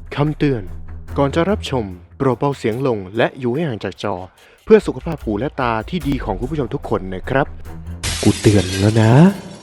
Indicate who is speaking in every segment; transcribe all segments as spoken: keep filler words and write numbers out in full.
Speaker 1: คำเตือนก่อนจะรับชมโปรดเบาเสียงลงและอยู่ให้ห่างจากจอเพื่อสุขภาพหูและตาที่ดีของคุณผู้ชมทุกคนนะครับกูเตือนแล้วนะ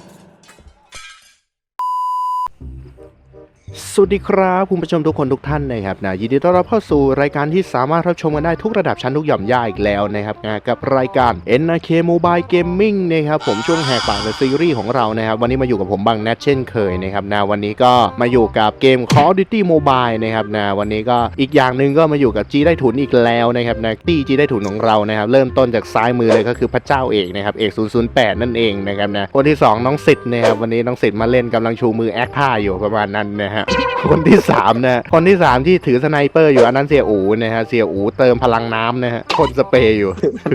Speaker 1: สวัสดีครับคุณผู้ชมทุกคนทุกท่านนะครับนะยินดีต้อนรับเข้าสู่รายการที่สามารถรับชมกันได้ทุกระดับชั้นทุกหย่อมย่าอีกแล้วนะครับนะกับรายการ เอ็น อาร์ เค Mobile Gaming นะครับผมช่วงแหกปากในซีรีส์ของเรานะครับวันนี้มาอยู่กับผมบังแนทเช่นเคยนะครับนะวันนี้ก็มาอยู่กับเกม Call of Duty Mobile นะครับนะวันนี้ก็อีกอย่างหนึ่งก็มาอยู่กับจีได้ถุนอีกแล้วนะครับนะตี้จีได้ถุนของเรานะครับเริ่มต้นจากซ้ายมือเลยก็คือพระเจ้าเอกนะครับเอกศูนย์ศูนย์แปดนั่นเองนะครับนะคนที่สองน้องสิทธิ์นะครับวันนี้น้องสิทธิ์มาเล่นกำลังชูมือแอคท่าอยู่ประมาณนั้นนะฮะคนที่สามนะคนที่สามที่ถือสไนเปอร์อยู่อันนั้นเสี่ยอูนะฮะเสี่ยอูเติมพลังน้ำนะฮะคนสเปรย์อยู่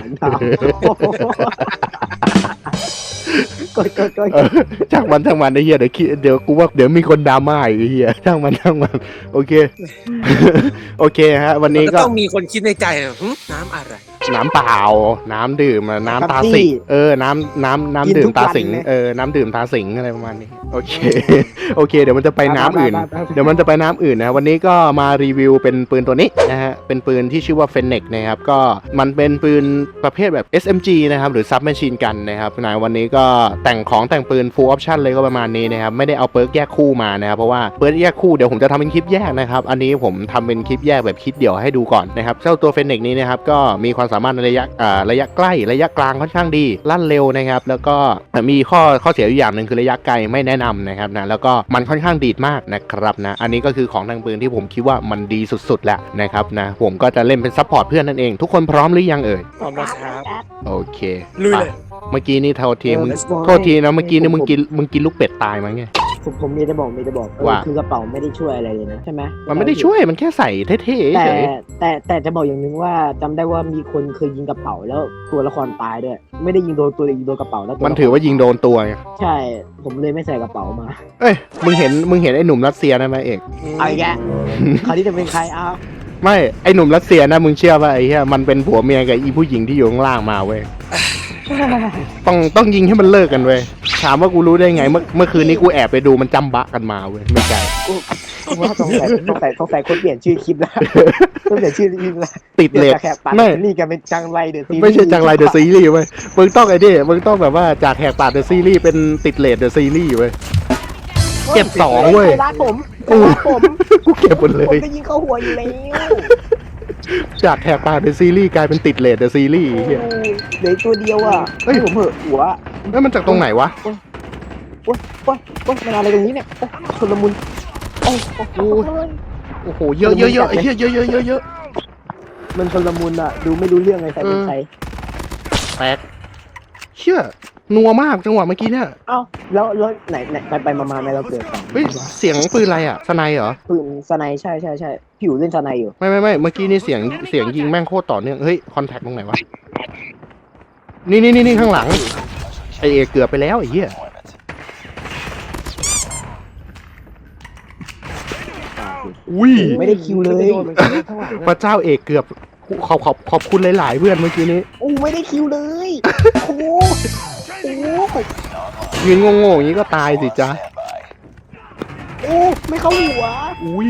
Speaker 2: ก็ก็ก็
Speaker 1: ช่างมันช่างมันไอ้เหี้ยเดี๋ยวคิดเดี๋ยวกูว่าเดี๋ยวมีคนดราม่าอีกไอ้เหี้ยช่างมันช่างมันโอเคโอเคฮะวันนี้ก็
Speaker 3: ต้องมีคนคิดในใจน้ำอะไร
Speaker 1: น้ำเปล่าน้ำดื่มน้ำตาสิงเออน้ำน้ำน้ำดื่มตาสิงเออน้ำดื่มตาสิงอะไรประมาณนี้โอเคโอเคเดี๋ยวมันจะไปน้ำอื่นเดี๋ยวมันจะไปน้ำอื่นนะวันนี้ก็มารีวิวเป็นปืนตัวนี้นะฮะเป็นปืนที่ชื่อว่า Fennec นะครับก็มันเป็นปืนประเภทแบบ เอส เอ็ม จี นะครับหรือ Submachine Gun นะครับนะวันนี้ก็แต่งของแต่งปืน Full Option เลยก็ประมาณนี้นะครับไม่ได้เอาเปิร์กแยกคู่มานะครับเพราะว่าเปิร์กแยกคู่เดี๋ยวผมจะทำเป็นคลิปแยกนะครับอันนี้ผมทำเป็นคลิปแยกแบบคลิปเดี่ยวให้ดูก่อนนะครับเจ้าตัว Fennec นี้นะครับก็มีความสามารถในระยะอ่าระยะใกล้ระยะกลางค่อนข้างดีลั่นเร็วนะครับแล้วก็มีข้อข้อเสียอยู่อย่างหนึ่งคือระยะไกลไม่แนะนำนะครับนะแล้วก็มันค่อนข้างดีดมากนะครับนะอันนี้ก็คือของทางปืนที่ผมคิดว่ามันดีสุดๆแล้วนะครับนะผมก็จะเล่นเป็นซัพพอร์ตเพื่อนนั่นเองทุกคนพร้อมหรือยังเอ่ย
Speaker 3: พร้อมแล้วครับ
Speaker 1: โอเค
Speaker 3: ลุยเลย
Speaker 1: เมื่อกี้นี่โทษทีมึงโทษทีนะเมื่อกี้นี่มึงกินมึงกินลูกเป็ดตายมั้งไง
Speaker 2: ผมผมมีจะบอกมีจะบอกว่าคือกระเป๋าไม่ได้ช่วยอะไรเลยนะใช่ไหม
Speaker 1: มันไม่ได้ช่วยมันแค่ใส่เท่ๆ
Speaker 2: แต่แต่แต่จะบอกอย่างนึงว่าจำได้ว่ามีคนเคยยิงกระเป๋าแล้วตัวละครตายด้วยไม่ได้ยิงโดนตัวยิงโดนกระเป๋าแล้ว
Speaker 1: มันถือว่ายิงโดนตัวไง
Speaker 2: ใช่ผมเลยไม่ใส่กระเป๋ามา
Speaker 1: เอ้ยมึงเห็นมึงเห็นไอ้หนุ่มรัสเซียนั่นไหมเอก
Speaker 2: เอาอีกแล้วคราวนี้จะเป็นใครอ้าว
Speaker 1: ไม่ไอ้หนุ่มรัสเซียนะมึงเชื่อป่ะไอ้เหี้ยมันเป็นผัวเมียกับอีผู้หญิงที่อยู่ข้างล่างมาเว้ยต้องต้องยิงให้มันเลิกกันเว้ยถามว่ากูรู้ได้ไงเมื่อเมื่อคืนนี้กูแอบไปดูมันจำบะกันมาเว้ยไม่ใช่
Speaker 2: กูว่าต้องใส่ต้องใส่ต้องใส่คนเปลี่ยนชื่อคลิปแล้วต้องเปลี่ยนชื่อคลิปแล้ว
Speaker 1: ติดเลท
Speaker 2: ไม่นี่กันเป็นจังไรเดอะซีรีส์
Speaker 1: ไม่ใช่จังไรเดอะซีรีส์เว้ยมึงต้องไอ้นี่มึงต้องแบบว่าจากแหกปากเดอะซีรีส์เป็นติดเลทเดอะซีรีส์เว้ยเก็บสองเว้ย
Speaker 2: รักผม
Speaker 1: รักผมกูเก็บหมดเลย
Speaker 2: ผมจะยิงเข้าหัวอยู่แล้ว
Speaker 1: จากแหกปากเดอะซีรีส์กลายเป็นติดเลทเดอะซีรีส์เฮีย
Speaker 2: เหลือตัวเดียวอ่ะเฮ้ยผมเหอะหัว
Speaker 1: แล้วมันจากตรงไหนวะ
Speaker 2: โอ๊ยโอ๊ยโอ๊ยโอ๊ยมันอะไรตรงนี้เนี่ยชลมุนโอ้โห
Speaker 1: โอ้โหเยอะเยอะเยอะไอ้เหี้ยเยอะเยอะเยอะเยอะ
Speaker 2: มันชลมุนอ่ะดูไม่รู้เรื่องเลยใครเป็นใคร
Speaker 1: แปลกเชื่อนัวมากจังหวะเมื่อกี้เนี่ย
Speaker 2: เอ้าแล้วแล้วไหนไหนไปไปมามาไหนเราเกิด
Speaker 1: เฮ้ยเสียงปืนอะไรอ่ะสไนเหรอ
Speaker 2: ปืนสไนใช่ใช่ใช่พี่อยู่เล่นสไนอยู่
Speaker 1: ไม่ไม่ไม่เมื่อกี้นี่เสียงเสียงยิงแม่งโคตรต่อเนื่องเฮ้ยคอนแทคตรงไหนวะนี่นี่นี่นี่ข้างหลังไอเอเกือบไปแล้วไอ้เหี้ยอุ้ย
Speaker 2: ไม่ได้คิวเลย
Speaker 1: พระเจ้าเอกเกือบขอบขอบขอบคุณหลายๆเพื่อนเมื่อกี้นี้
Speaker 2: โอ้ไม่ได้คิวเลยโอ้โหโอ้
Speaker 1: ยืนงงๆอย่างนี้ก็ตายสิจ๊ะ
Speaker 2: โอ้ไม่เข้าหัว
Speaker 1: อุ้ย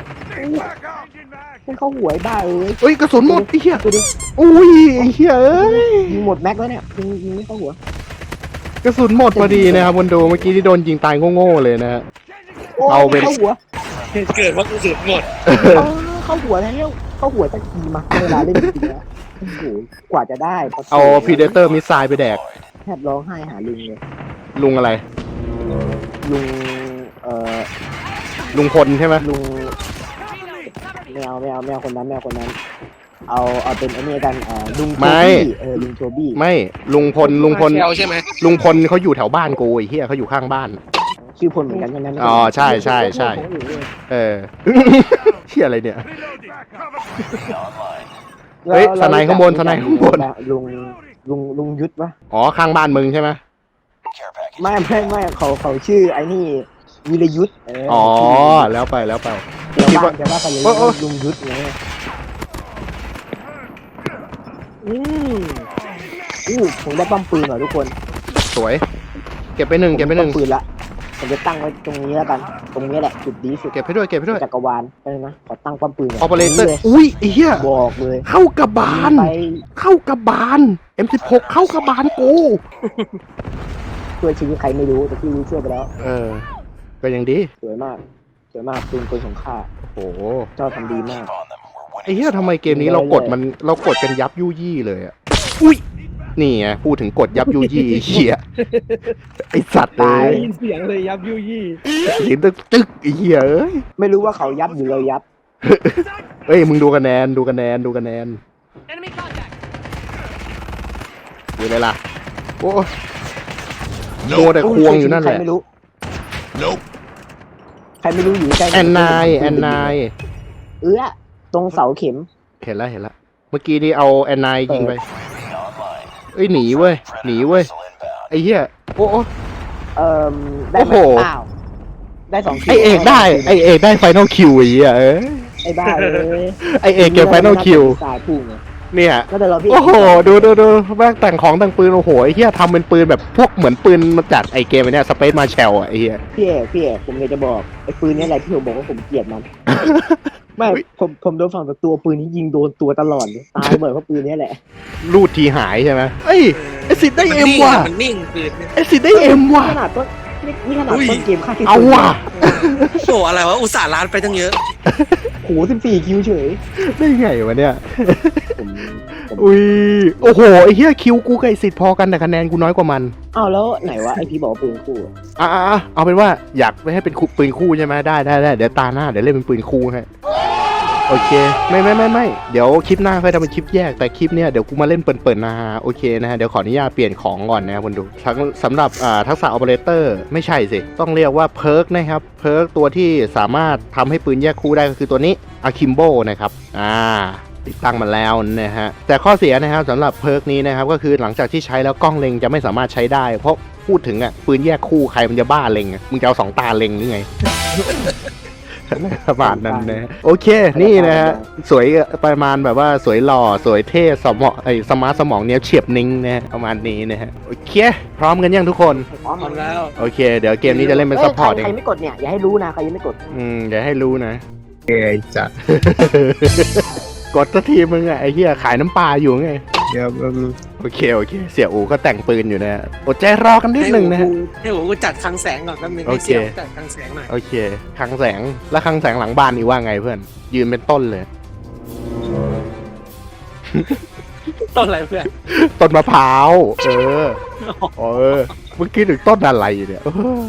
Speaker 2: ไม่เข้าหัวไอ้บ้าเอ้ย
Speaker 1: เฮ้ยกระสุนหมดไอ้เหี้ยอุ้ยไอ้เหี้ยเอ้ย
Speaker 2: ยิงหมดแม็กแล้วเนี่ยยิงยิงไม่เข้าหัว
Speaker 1: กระสุนหมดพอดีนะครับคนดูเมื่อกี้ที่โดนยิงตายโง่ๆเลยนะฮะ
Speaker 2: เอาเป็นเข้าหัว
Speaker 3: เกิดว่ากระสุนหมด
Speaker 2: เข้าหัวแล้วเข้าหัวตะกี้มาเวลาเล่นจริงๆนะโอ้โหกว่าจะได้
Speaker 1: เอาพีเดเตอร์มิสไซล์ไปแดก
Speaker 2: แทบร้องไห้หาลุงเลย
Speaker 1: ลุงอะไร
Speaker 2: ลุงเอ่อ
Speaker 1: ลุงพลใช่ไหม
Speaker 2: ลุงไม่เอาไม่เอาไม่เอาคนนั้นไม่เอาคนนั้นเอาเอาเป็นไอ้นี่กันอ่าลุงโทบี้เออลุงโทบี้
Speaker 1: ไม่ลุงพลลุงพล
Speaker 3: ใช่ไหม
Speaker 1: ลุงพลเขาอยู่แถวบ้านกูไอ้เหี้ยเขาอยู่ข้างบ้าน
Speaker 2: ชื่อพลเหมือนกันใช่ไหม
Speaker 1: อ๋อใช่ใช่ใช่เออเหี้ยอะไรเนี่ยเฮ้ยสไนข้างบนสไนข้างบน
Speaker 2: ลุงลุงลุงยุทธวะ
Speaker 1: อ๋อข้างบ้านมึงใช่ไหม
Speaker 2: ไม่ไม่ไม่เขาเขาชื่อไอ้นี่วีรยุทธ
Speaker 1: อ๋อแล้วไปแล้วไป
Speaker 2: คิดว่าจะว่าไปเลยลุงยุทธไงอืมอู้ผมได้ปั๊มปืนเหรอทุกคน
Speaker 1: สวยเก็บไปหนึ่งเก็บไปหนึ่ง
Speaker 2: ปืนละผมจะตั้งไว้ตรงนี้แล้วกัน ตรงนี้แหละจุดดีสุด
Speaker 1: เก็บให้ด้วยเก็บให้ด้วย
Speaker 2: จักรวาลไปนะขอตั้งป้อมปืน
Speaker 1: ออเปอเรเตอร์
Speaker 2: เลย
Speaker 1: อุ้ยไอ้เหี้ย
Speaker 2: บอกเลย
Speaker 1: เข้ากระบาล
Speaker 2: ไป
Speaker 1: เข้ากระบาล เอ็ม สิบหก เข้ากระบาลกู
Speaker 2: ช่วยชีวิตใครไม่รู้แต่ที่รู้ช่วยไปแล้ว
Speaker 1: เออ ก็ยังดี
Speaker 2: สวยมากสวยมากปืนปืนของข้า
Speaker 1: โอ้โห
Speaker 2: เจ้าทำดีมาก
Speaker 1: ไอ้เหี้ยทำไมเกมนี้เรากดมันเรากดกันยับยุยี่เลยอ่ะ อุ้ย นี่ไงพูดถึงกดยับยุยี่ไอ้เหี้ยไอสัตว์เล
Speaker 2: ตาย
Speaker 1: ย
Speaker 3: ได้ยินเสียงเลยยับยุยี่
Speaker 1: เสียงตึกตึกไอ้เหี้ยเอ้ย
Speaker 2: ไม่รู้ว่าเขายับหรือเรายับ
Speaker 1: เอ้ยมึงดูคะแนนดูคะแนนดูคะแนน
Speaker 4: Enemy contact.
Speaker 1: ดูเลยล่ะ โอ้โดนแต่ควงอยู่นั่นแหละ
Speaker 2: ใครไม่รู้ใครไม่รู้อยู่ใกล้
Speaker 1: แอนนายแอนนาย
Speaker 2: เอื้อตรงเสาเข็ม
Speaker 1: เห็นแล้วเห็นแล้วเมื่อกี้นี่เอาแอนนายยิงไปเอ้ยหนีเว้ยหนีเว้ยไอ้เหี้ยโอ้โอ้
Speaker 2: เอ่อได้ไหม
Speaker 1: โอ้โห
Speaker 2: อ้าวได้สองคิว
Speaker 1: ไอเอกได้ไอเอกได้ไฟนอลคิวไอ้เหี้ยเอ้ย
Speaker 2: ไอ้บ้าเลย
Speaker 1: ไอเอกเก็บไฟนอลคิว
Speaker 2: ตายพุ่งไง
Speaker 1: เนี่ย
Speaker 2: ก็แต่เราพี่
Speaker 1: โอ้โหดูดูดูแม่งแต่งของแต่งปืนโอ้โหไอ้เหี้ยทำเป็นปืนแบบพวกเหมือนปืนมาจากไอเกมไอ้เนี่ยสเปซมาแชลอ่ะไอ้เหี้ย
Speaker 2: พี่เอกพี่เอกผมอยากจะบอกไอ้ปืนนี้อะไรที่ผมบอกว่าผมเกลียดมัน ไม่
Speaker 1: อุ๊ย
Speaker 2: ผมผมโดนฝั่งตัวปืนนี้ยิงโดนตัวตลอดเลยตายเหมือนเพราะปืนนี้แหละ
Speaker 1: รูดทีหายใช่ไหมเอ้ยไอสิทธิ์ได้เอ็มว่ะ
Speaker 3: มันนิ่งปืน
Speaker 1: ไอสิทธิ์ได้เอ็มว่ะ
Speaker 2: ขนาดต้นนี่นี่ขนาด
Speaker 3: อุ้ย
Speaker 2: ต้นเกมค่าที่
Speaker 1: เอาว่ะ
Speaker 3: โอ้อะไรวะอุตส่าห์ล้านไปตั้งเยอะ
Speaker 2: โหสิบสี่คิวเฉย
Speaker 1: ได้ไงวะเนี่ย
Speaker 2: ผมผม
Speaker 1: อุ้ยโอ้โหไอ้เหี้ยคิวกูกับไอสิทธิ์พอกันแต่คะแนนกูน้อยกว่ามัน
Speaker 2: อ้าวแล้วไหนวะไอพี่บอกว่าปืนคู่อะ
Speaker 1: อ่ะอ่ะอ่ะเอาเป็นว่าอยากให้เป็นปืนคู่ใช่ไหมได้ได้ได้เดี๋ยวตาหน้าเดี๋ยวเล่นเป็นปืนคู่ให้โอเคไม่ไม่ไม่ไม่เดี๋ยวคลิปหน้าค่อยทำเป็นคลิปแยกแต่คลิปเนี้ยเดี๋ยวกูมาเล่นเปิดๆนะฮะโอเคนะฮะเดี๋ยวขออนุญาตเปลี่ยนของก่อนนะครับคุณดูทั้งสำหรับอ่าทักษะออเปอเรเตอร์ไม่ใช่สิต้องเรียกว่าเพิร์กนะครับเพิร์กตัวที่สามารถทำให้ปืนแยกคู่ได้ก็คือตัวนี้อะคิมโบนะครับอ่า ติดตั้งมาแล้วนะฮะแต่ข้อเสียนะครับสำหรับเพิร์กนี้นะครับก็คือหลังจากที่ใช้แล้วกล้องเล็งจะไม่สามารถใช้ได้ เพราะพูดถึงอ่ะปืนแยกคู่ใครมันจะบ้าเล็งอะมึงจะเอาสองตาเล็งหรือไง ประมาณนั้นนะโอเคนี่นะฮะสวยประมาณแบบว่าสวยหล่อสวยเท่สมองไอ้สมาร์ทสมองเนี้ยเฉียบนิ่งนะฮะประมาณนี้นะฮะโอเคพร้อมกันยังทุกคน
Speaker 2: พร้อม
Speaker 3: ทำแล้ว
Speaker 1: โอเค เดี๋ยวเกมนี้จะเล่นเป็นซัพพอร์ตเอ
Speaker 2: ใครง ไม่กดเนี่ยอย่าให้รู้นะใครยังไม่กด
Speaker 1: อืมเดี๋ยวให้รู้นะ
Speaker 3: เอ้ยจัด
Speaker 1: กดสักทีมึงอะไอ้เหี้ยขายน้ำปลาอยู่ไง
Speaker 3: เดี๋ยว
Speaker 1: โอเคโอเคเสี่ยอูก็แต่งปืนอยู่นะฮะอดใจรอกันนิดนึงนะฮะ
Speaker 3: ให้ผมกูจัดคลังแสงก่อนแป๊บนึง
Speaker 1: โอ
Speaker 3: ให้
Speaker 1: เค
Speaker 3: เสียงจัดคลังแสงหน่อย
Speaker 1: โอเคคลังแสงแล้วคลังแสงหลังบ้านนี่ว่าไงเพื่อน ยืนเป็นต้นเลย
Speaker 3: ต้นอะไรเพื่อน
Speaker 1: ต้นมะพร้าวเออเออเมื่อกี้ถึงต้นอะไรเนี่ยเออ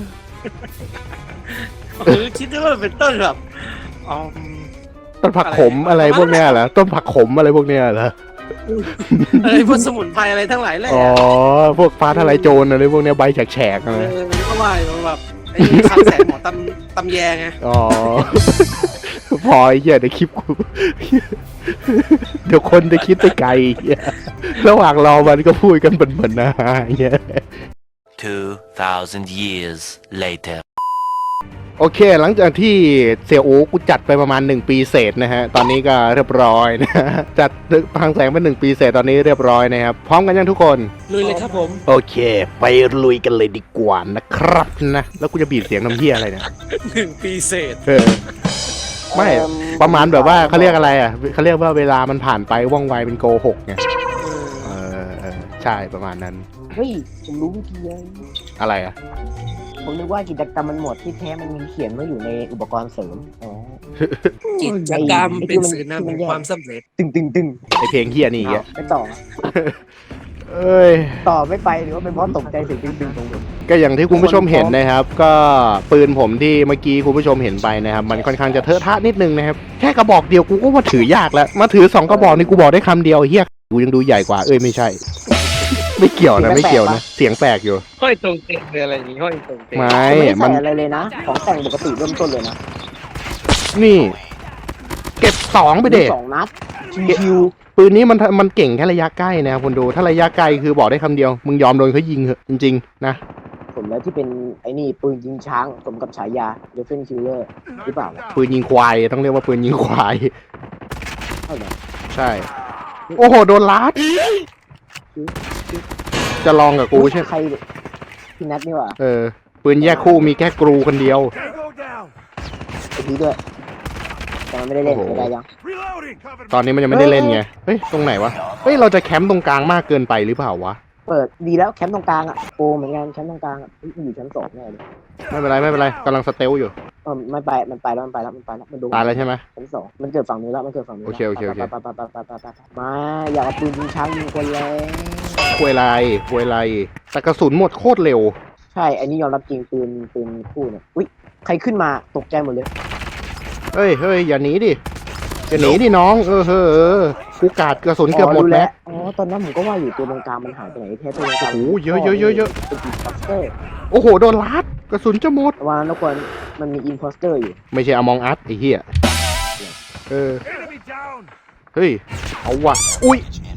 Speaker 3: หรือคิดว่ามันเป็นต้นแบบอ๋อ
Speaker 1: ต้นผักขมอะไรพวกเนี้ยเหรอต้นผักขมอะไรพวกเนี้ยเหรอ
Speaker 3: อะไรพวกสมุนไพรอะไรทั้งหลายแหละ
Speaker 1: อ๋อพวกฟ้าทลายโจรอะไรพวกเนี้ยใบแฉกๆ
Speaker 3: เอ
Speaker 1: อะไร
Speaker 3: อมันก็ว่าอยู่แบบไอ้คลังแสงหมอตำตำแยไง
Speaker 1: อ๋อ พอไอ้เหี้ยเดี๋ยวคลิปกู เดี๋ยวคนจะคิดไปไกลเหี้ยระหว่างรอมันก็พูดกันเหมือนๆนะเหี้ย
Speaker 5: Two thousand years later.
Speaker 1: โอเค หลังจากที่เสี่ยโอ้กูจัดไปประมาณหนึ่งปีเศษนะฮะ ตอนนี้ก็เรียบร้อยนะ จัดทางแสงเป็นหนึ่งปีเศษตอนนี้เรียบร้อยนะครับ พร้อมกันยังทุกคน
Speaker 3: ลุยเลยครับผม
Speaker 1: โอเค ไปลุยกันเลยดีกว่านะครับนะ แล้วกูจะบีบเสียงน้ำเหี้ยอะไรเนี่ย
Speaker 3: หนึ่งปีเศษ
Speaker 1: เออ ไม่ประมาณแบบว่าเขาเรียกอะไรอ่ะเขาเรียกว่าเวลามันผ่านไปว่องไวเป็นโกหกไง เออเออใช่ประมาณนั้น
Speaker 2: เฮ้ยผมรู้วิธีเลย
Speaker 1: อะไรอ่ะ
Speaker 2: ผมนึกว่ากิจกรรมมันหมดที่แท้มันมีเขียนไว้อยู่ในอุปกรณ์เสริมอ๋อ
Speaker 3: กิจกรรม
Speaker 2: ไอ้
Speaker 3: เป็น
Speaker 2: ที่มัน
Speaker 3: สื่อนำแห่งความสำเร็จ
Speaker 2: ตึงตึงตึง
Speaker 1: ไอเพลงเฮียนี่อีก
Speaker 2: อ้าว
Speaker 1: อ่ะ
Speaker 2: ไม่ต่อ
Speaker 1: เอ้ย
Speaker 2: ต่อไม่ไปหรือว่าเป็นเพราะตกใจเสียงตึงตึงตรงผม
Speaker 1: ก็อย่างที่คุณผู้ชมเห็นนะครับ ก็ปืนผมที่เมื่อกี้คุณผู้ชมเห็นไปนะครับ มันค่อนข้างจะเทอะทะนิดนึงนะครับ แค่กระบอกเดียวกูก็ว่าถือยากแล้ว มาถือสองกระบอกนี่กูบอกได้คำเดียวเฮียกูยังดูใหญ่กว่า เอ้ยไม่ใช่ ไม่เกี่ยวนะไม่เกี่ยวนะ เสียงแปลกอยู่
Speaker 3: ห้อยตรงเต็งเลยอะไรอย่างงี้ห้อยตรงเต็ง
Speaker 1: ไม่
Speaker 2: ไม่
Speaker 1: มั
Speaker 2: ใส่
Speaker 1: น
Speaker 2: อะไรเลยนะ ของแต่งปกติเริ่มต้นเลยนะ
Speaker 1: นี่ เก็บสองไปเด็
Speaker 2: สองนัดคิว
Speaker 1: ปืนนี้มันมันเก่งแค่ระยะใกล้นะครับคุณดูถ้าระยะไกลคือบอกได้คำเดียว มึงยอมโดนเขายิงเหอะจริงๆนะ
Speaker 2: ผมแล้วที่เป็นไอ้นี่ปืนยิงช้างสมกับฉายาเดฟเฟนคิลเลอร์หรือเปล่าล่ะ
Speaker 1: ปืนยิงควายต้องเรียกว่าปืนยิงควาย
Speaker 2: เท่าไหร่
Speaker 1: ใช่ โอ้โหโดนลัดจะลองกับกูใช่ไหม
Speaker 2: ใครพี่นัทนี่หว่า
Speaker 1: เออปืนแยกคู่มีแค่กรูคนเดียว
Speaker 2: ไอพีด้วยแต่มันไม่ได้เล่น
Speaker 1: โอ้โห
Speaker 2: ไม่ได้ยัง
Speaker 1: ตอนนี้มันยังไม่ได้เล่นไงเฮ้ยตรงไหนวะเฮ้ยเราจะแคมป์ตรงกลางมากเกินไปหรือเปล่าวะ
Speaker 2: เปิดดีแล้วแคมป์ตรงกลางอ่ะโปรเหมือนกันแคมป์ตรงกลางอ่ะอุ๊ยอยู่ชั้นสองแน่เลย
Speaker 1: ไม่เป็นไรไม่เป็นไรกำลังสเตลอยู่
Speaker 2: เออไม่ไปมันไปแล้วมันไปแล้วมันไปแล้วมันดู
Speaker 1: ตายแล้วใช่ไหม
Speaker 2: ชั้นสองมันเกิดฝั่งนี้แล้วมันเกิดฝั่งนี้
Speaker 1: โอเคโอเคโอเค
Speaker 2: ไปไปไปไปไปไปไปมาอยากเอาปืนยิงช้างยิงคนแล้ว
Speaker 1: ควยไรควยไรแต่กระสุนหมดโคตรเร็ว
Speaker 2: ใช่อันนี้ยอมรับจริงปืนปืนคู่เนี่ยอุ้ยใครขึ้นมาตกใจหมดเลย
Speaker 1: เฮ้ยเฮ้ยอย่าหนีดิอย่าหนีดิน้องเออเออเออกูกาดกระสุนเกือบหมด
Speaker 2: รู้
Speaker 1: แล้ว
Speaker 2: อ๋อตอนนั้นผมก็ว่าอยู่ตัวตรงกลางมันหายไปไหนแท้ตัวตรงกลาง
Speaker 1: โอ้โหเยอะเยอะเยอะเยอะ
Speaker 2: เป็นอินโพสเตอร์
Speaker 1: โอ้โหโดนลัดกระสุนจะหมด
Speaker 2: วันนั้นทุกคนมันมีอินโพสเตอร์อยู่
Speaker 1: ไม่ใช่อมองอัสไอ้เหี้ยเออเฮ้ยเอาว่ะอุ้ย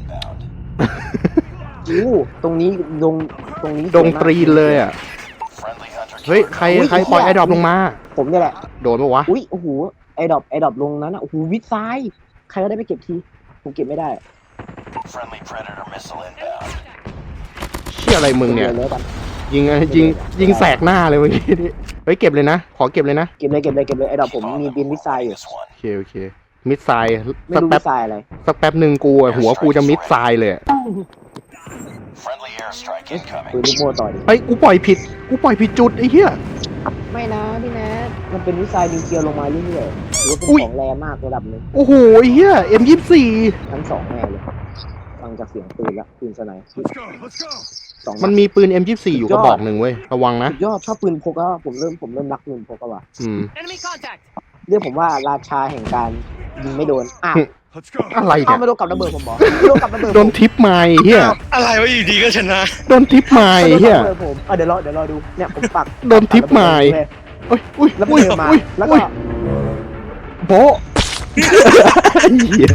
Speaker 2: อู้ตรงนี้ลงตรงนี้
Speaker 1: ดงตรีนเลยอ่ะเฮ้ยใครใครปล่อยไอ้ดรอปลงมา
Speaker 2: ผมเนี่ยแหละ
Speaker 1: โดนปะวะ
Speaker 2: อุ้ยโอ้โหไอดอปไอดอปลงนั้นอ่ะโอ้โหวิดซ้ายใครก็ได้ไปเก็บทีผมเก็บไม่ได้
Speaker 1: เชี่ยอะไรมึงเนี่ย
Speaker 2: ดี๋วเลยกัน
Speaker 1: ยิงอะยิงยิงแสกหน้าเลยเมื่อกี้นี่เฮ้ยเก็บเลยนะขอเก็บเลยนะ
Speaker 2: เก็บเลยเก็บเลยเก็บเลยไอดอปผมมีบินวิดซ้ายอยู่
Speaker 1: โอเคโอเคมิดไซด์
Speaker 2: ไม่
Speaker 1: สัก
Speaker 2: รู้
Speaker 1: แป๊
Speaker 2: วิ
Speaker 1: บ
Speaker 2: ดซ้ายอะไร
Speaker 1: สักแป๊บหนึ่งกูอะหัวกูจะมิดไซด์เลยอะ
Speaker 2: ปืนลูกโม่ต่อดิ
Speaker 1: เฮ้ยกูปล่อยผิดกูปล่อยผิดจุดไอ้เหี้ย
Speaker 2: ไม่นะพี่แนทมันเป็นวิดซ้ายนิวเคลียร์ลงมาเรื่อยๆถือว่าเป็น
Speaker 1: อุ๊ย
Speaker 2: ของแรงมากระดับหนึง
Speaker 1: โอ้โหไอ้เหี้ยเอ็มยี่สี่
Speaker 2: ชั้นสองแน่เลยฟังจากเสียงปืนละปืนสไนป์สองนัด
Speaker 1: มันมีปืน เอ็ม ยี่สิบสี่ อยู่กระบอกหนึ่งเว้ยระวังนะ
Speaker 2: สุดยอดชอบปืนพกแล้วผมเริ่มผมเริ่มรักปืนพกแล้วว่ะ
Speaker 1: อืม
Speaker 5: Enemy contact.
Speaker 2: เรียกผมว่าราชาแห่งการยิงไม่โดนอ้าว
Speaker 1: อะไร
Speaker 2: อ้า
Speaker 1: เนี่
Speaker 2: วย ไม่โดนกับระเบิดผมบอกไม่โดนกับระเบิดผม
Speaker 1: โดนทิปไม้เฮีย
Speaker 3: อะไรวะอยู่ดีก็ชนะ
Speaker 1: โดนทิปไม้
Speaker 2: ไม่โดน
Speaker 1: เฮีย
Speaker 2: กับระเบิดผมอ่ะเดี๋ยวรอเดี๋ยวรอดูเนี่ยผมปัก
Speaker 1: โดนทิปไม้
Speaker 2: เลย
Speaker 1: โอ้ยอุ้ย
Speaker 2: แล้วมัน
Speaker 1: อุ้ย
Speaker 2: เดินมา
Speaker 1: อุ้ย
Speaker 2: แล้ว
Speaker 1: อุ้
Speaker 2: ก็
Speaker 1: ยโบะเหี้ย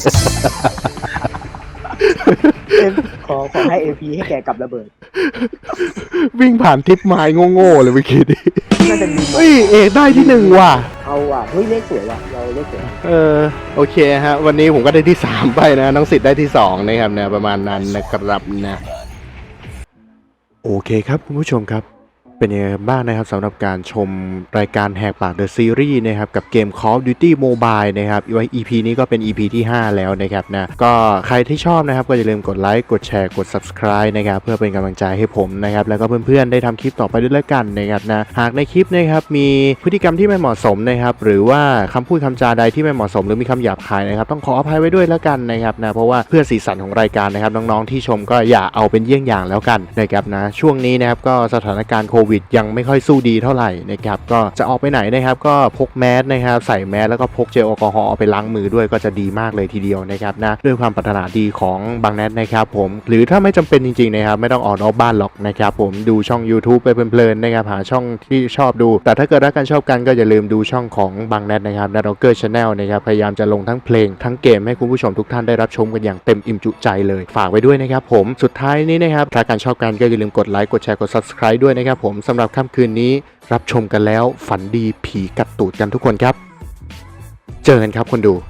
Speaker 2: เอ็มขอขอให้เอพีให้แกกับระเบิด
Speaker 1: วิ่งผ่านทิปไม้โง่ๆเลยเมื่อกี้นี้
Speaker 2: น่าจะมี
Speaker 1: เฮ้ยเอกได้ที่หนึ่งว่ะ
Speaker 2: เอาว่ะเฮ้ยเลขสวยว่ะเราเลขสวย
Speaker 1: เออโอเคฮะวันนี้ผมก็ได้ที่สามไปนะน้องสิทธิ์ได้ที่สองนะครับเนี่ยประมาณนั้นนะครับนะโอเคครับคุณผู้ชมครับเป็นยังไงบ้างนะครับสำหรับการชมรายการแหกปาก The Series นะครับกับเกม Call of Duty Mobile นะครับไว้ อี พี นี้ก็เป็น อี พี ที่ห้าแล้วนะครับนะก็ใครที่ชอบนะครับก็อย่าลืมกดไลค์กดแชร์กด Subscribe นะครับเพื่อเป็นกำลังใจให้ผมนะครับแล้วก็เพื่อนๆได้ทำคลิปต่อไปด้วยแล้วกันนะครับนะหากในคลิปนะครับมีพฤติกรรมที่ไม่เหมาะสมนะครับหรือว่าคำพูดคำจาใดที่ไม่เหมาะสมหรือมีคำหยาบคายนะครับต้องขออภัยไว้ด้วยแล้วกันนะครับนะเพราะว่าเพื่อสีสันของรายการนะครับน้องๆที่ชมก็อย่าเอาเป็นเยี่ยงอย่างแล้วกันนะครับนะช่วงนี้นะครับก็สถานการณ์โควิดยังไม่ค่อยสู้ดีเท่าไหร่นะครับก็จะออกไปไหนนะครับก็พกแมสนะครับใส่แมสแล้วก็พกเจลแอลกอฮอล์เอาไปล้างมือด้วยก็จะดีมากเลยทีเดียวนะครับนะด้วยความปรารถนาดีของบางแนทนะครับผมหรือถ้าไม่จำเป็นจริงๆนะครับไม่ต้องออกนอกบ้านหรอกนะครับผมดูช่อง YouTube ไปเพลินๆนะครับหาช่องที่ชอบดูแต่ถ้าเกิดรักกันชอบกันก็อย่าลืมดูช่องของบางแนทนะครับ Nadoker Channel นะครับพยายามจะลงทั้งเพลงทั้งเกมให้คุณผู้ชมทุกท่านได้รับชมกันอย่างเต็มอิ่มจุใจเลยฝากไว้ด้วยนะครับผมสุดท้ายนี้นะครับถ้าการชอบกันก็อย่าลืมกดไลค์กดแชร์กด Subscribe ด้วยนะครับผมสำหรับค่ำคืนนี้รับชมกันแล้วฝันดีผีกัดตูดกันทุกคนครับเจอกันครับคนดู